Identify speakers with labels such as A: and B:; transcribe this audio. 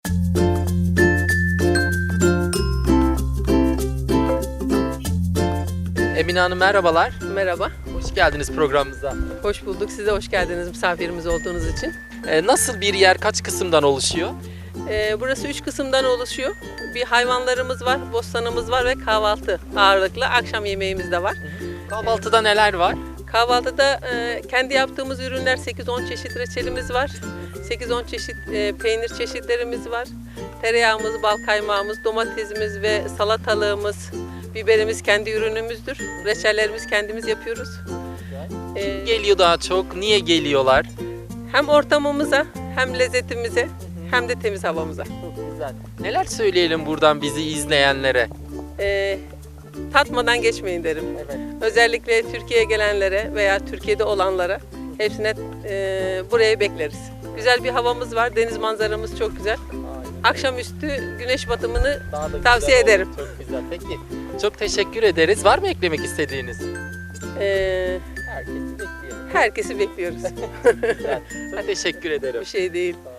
A: Emine Hanım merhabalar.
B: Merhaba,
A: Hoş geldiniz programımıza.
B: hoş bulduk. Siz de hoş geldiniz misafirimiz olduğunuz için.
A: Nasıl bir yer, kaç kısımdan oluşuyor?
B: Burası 3 kısımdan oluşuyor. Bir hayvanlarımız var, bostanımız var ve kahvaltı ağırlıklı. Akşam yemeğimiz de var.
A: Kahvaltıda neler var?
B: Kahvaltıda kendi yaptığımız ürünler 8-10 çeşit reçelimiz var. 8-10 çeşit peynir çeşitlerimiz var. Tereyağımız, bal kaymağımız, domatesimiz ve salatalığımız, biberimiz kendi ürünümüzdür. Reçellerimizi kendimiz yapıyoruz.
A: Geliyor daha çok. Niye geliyorlar?
B: Hem ortamımıza, hem lezzetimize, hem de temiz havamıza.
A: Çok güzel. Neler söyleyelim buradan bizi izleyenlere?
B: Tatmadan geçmeyin derim.
A: Evet.
B: Özellikle Türkiye'ye gelenlere veya Türkiye'de olanlara hepsine buraya bekleriz. Güzel bir havamız var, deniz manzaramız çok güzel. Akşamüstü güneş batımını
A: Daha da
B: tavsiye
A: güzel
B: ederim.
A: oldu. Çok güzel. Peki. Çok teşekkür ederiz. Var mı eklemek istediğiniz?
B: Ee,
A: Herkesi bekleyelim.
B: herkesi bekliyoruz.
A: Güzel. Çok teşekkür ederim.
B: Bir şey değil.